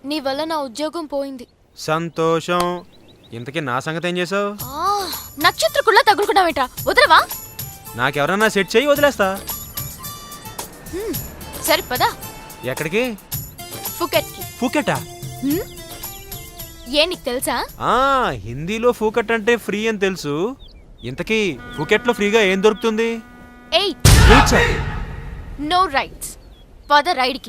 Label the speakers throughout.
Speaker 1: నీ వల్ల నా ఉద్యోగం పోయింది.
Speaker 2: సంతోషం. ఇంతకీ నా సంగతి ఏం చేసావు?
Speaker 1: నక్షత్రకుల్లా తగులుకున్నావేంట్రా? వదలవా?
Speaker 2: నాకెవరన్నా సెట్ చేయి, వదిలేస్తా.
Speaker 1: సరే పదా.
Speaker 2: ఎక్కడికి?
Speaker 1: ఫుకెట్కి.
Speaker 2: ఫూకెటా?
Speaker 1: ఏ నీకు తెలుసా?
Speaker 2: హిందీలో ఫూకెట్ అంటే ఫ్రీ అని తెలుసు. ఇంతకీ ఫూకెట్లో ఫ్రీగా ఏం దొరుకుతుంది?
Speaker 1: No rights. పద రైడ్కి.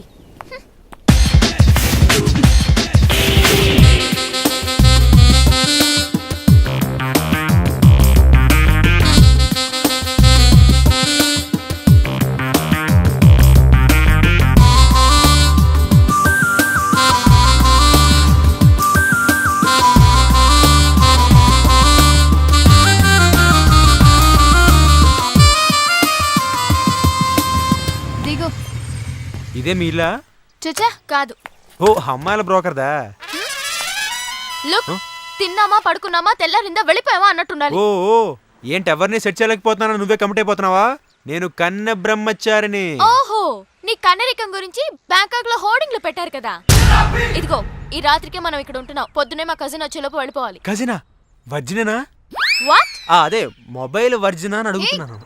Speaker 2: ఇదే మీలా?
Speaker 1: చచ్చా కాదు.
Speaker 2: ఓ, అమ్మాయిల బ్రోకర్దా?
Speaker 1: లుక్, తిన్నామా పడుకున్నామా తెల్లారిందా వెళ్ళిపోయావా అన్నట్టుండాలి.
Speaker 2: ఓ, ఏంటి ఎవరిని సెట్ చేయలేకపోతున్నా? నువ్వే కమిట్ అయిపోతున్నావా? నేను కన్నె బ్రహ్మచారిని.
Speaker 1: ఓహో, నీ కన్నరికం గురించి బ్యాంకాక్ లో హోర్డింగ్లు పెట్టారు కదా. ఇదిగో, ఈ రాత్రికి మనం ఇక్కడ ఉంటున్నాం. పొద్దునే మా కజిన్ వచ్చేలోపు వెళ్ళిపోవాలి.
Speaker 2: కజినా? వర్జినేనా?
Speaker 1: వాట్?
Speaker 2: అదే మొబైల్ వర్జినా అని అడుగుతున్నాను.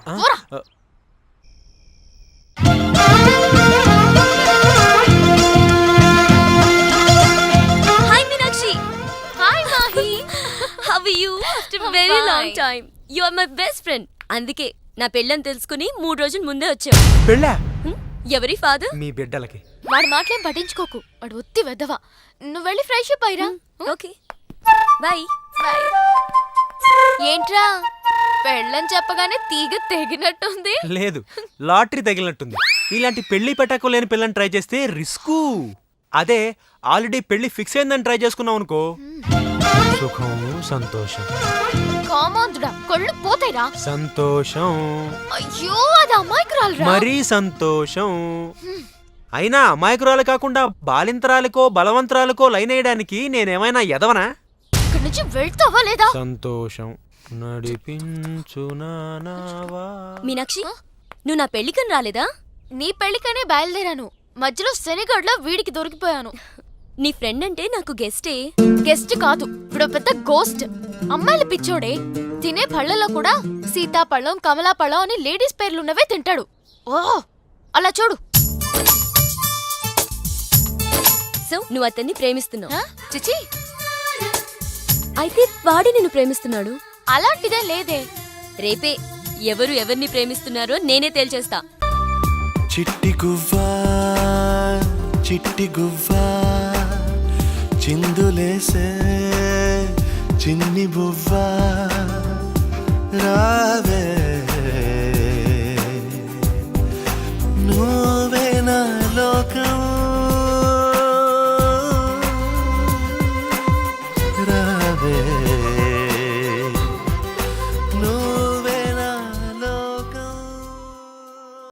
Speaker 3: Hi Meenakshi.
Speaker 1: Hi Mahi.
Speaker 3: How are you? After a very long time. You are my best friend. అందుకే నా పెళ్ళని తెలుసుకుని 3 రోజుల ముందే వచ్చావు.
Speaker 2: పెళ్ళా?
Speaker 3: ఎవరి ఫాదర్?
Speaker 2: మీ బిడ్డలకి.
Speaker 1: వాడు మాటలేం పట్టించుకోకు. వాడు ఒత్తి వెదవా. నువ్వు వెళ్ళి ఫ్రెష్ అప్ అయ్యిరా.
Speaker 3: Okay bye.
Speaker 1: బాయ్. ఏంట్రా పెళ్ళని చెప్పగానే తీగ తెగినట్టుంది?
Speaker 2: లేదు, లాటరీ తగిలినట్టుంది. ఇలాంటి పెళ్లి పెట్టకు లేని పిల్లని ట్రై చేస్తే రిస్కు. అదే ఆల్రెడీ పెళ్లి ఫిక్స్ అయిందని ట్రై చేసుకున్నావు అనుకో, సుఖం సంతోషం.
Speaker 1: కామాంధుడా, కళ్ళు పోతాయిరా.
Speaker 2: సంతోషం.
Speaker 1: అయ్యో, అది అమాయకురాలురా.
Speaker 2: మరీ సంతోషం. అయినా అమాయకురాలు కాకుండా బాలింతరాలకో బలవంతరాలకో లైన్ వేయడానికి నేనేమైనా ఎదవనా?
Speaker 1: ఇక్కడి నుంచి వెళ్తావా లేదా?
Speaker 2: సంతోషం నడిపించునావా.
Speaker 3: మీనాక్షి, నువ్వు నా పెళ్ళికని రాలేదా?
Speaker 1: నీ పెళ్లికనే బయలుదేరాను. మధ్యలో శనిగడ్లో వీడికి దొరికిపోయాను.
Speaker 3: నీ ఫ్రెండ్ అంటే నాకు గెస్టే.
Speaker 1: గెస్ట్ కాదు, ఇప్పుడు పెద్ద గోస్ట్. అమ్మాయిల పిచ్చోడే. తినే పళ్ళలో కూడా సీతాపళ్ళం కమలాపళ్ళం అని లేడీస్ పేర్లున్నవే తింటాడు. ఓ, అలా చూడు.
Speaker 3: సో నువ్వు అతన్ని ప్రేమిస్తున్నావు?
Speaker 1: చిచి,
Speaker 3: అయితే వాడి నిన్ను ప్రేమిస్తున్నాడు?
Speaker 1: అలాంటిదే లేదే.
Speaker 3: రేపే ఎవరు ఎవరిని ప్రేమిస్తున్నారో నేనే తేల్చేస్తా.
Speaker 4: చిట్టి గువ్వా చిట్టి గువ్వా చిందులేసే చిన్ని బువ్వా రావే